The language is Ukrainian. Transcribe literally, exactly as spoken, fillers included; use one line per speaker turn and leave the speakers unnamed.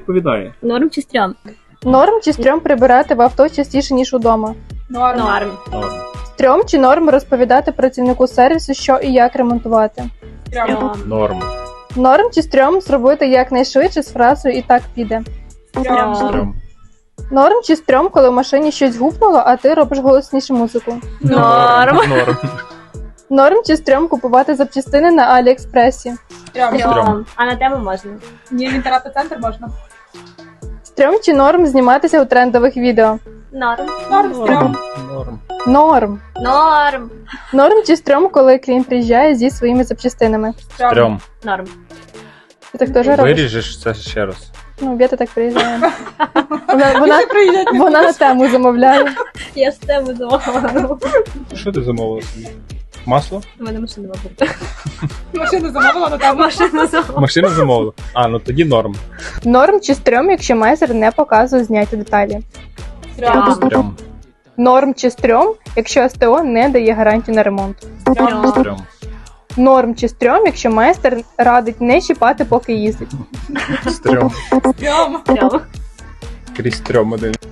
відповідає.
Норм чи стрьом?
Норм чи стрьом прибирати в авто частіше, ніж удома?
Норм.
Норм.
Норм.
Стрьом чи норм розповідати працівнику сервісу, що і як ремонтувати?
Стрьом.
Стрьом.
Норм.
Норм чи стрьом зробити якнайшвидше з фразою «і так піде».
Стрьом.
Стрьом.
Норм чи стрьом, коли в машині щось гупнуло, а ти робиш голосніше музику?
Норм.
Норм.
Норм чи стрьом купувати запчастини на Аліекспресі?
Стрьом.
Стрьом. А на тебе можна.
Ні, в інтернет-центр можна.
Стрьом чи норм зніматися у трендових відео?
Норм.
Норм, стрьом.
Норм.
Норм.
Норм.
Норм чи стрьом, коли клієнт приїжджає зі своїми запчастинами?
Стрьом.
Норм.
Ти так теж робиш?
Виріжеш це ще раз.
Ну, Вєта так приїжджає. Вона, вона,
Більше приїздять не
вона на тему замовляє.
Я з тебе замовила.
Що ти замовила собі? Масло?
У мене машина мабуть.
машину замовила, але там
Машина замовила.
Машину замовила? А, ну тоді норм.
Норм чи стрьом, якщо майстер не показує зняті деталі?
стрьом.
Стрьом.
Норм чи стрьом, якщо СТО не дає гарантію на ремонт?
Стрьом.
Стрьом.
Норм чи стрьом, якщо майстер радить не чіпати, поки їздить?
Стрьом.
Стрьом.
Стрьом.
Крізь стрьом один.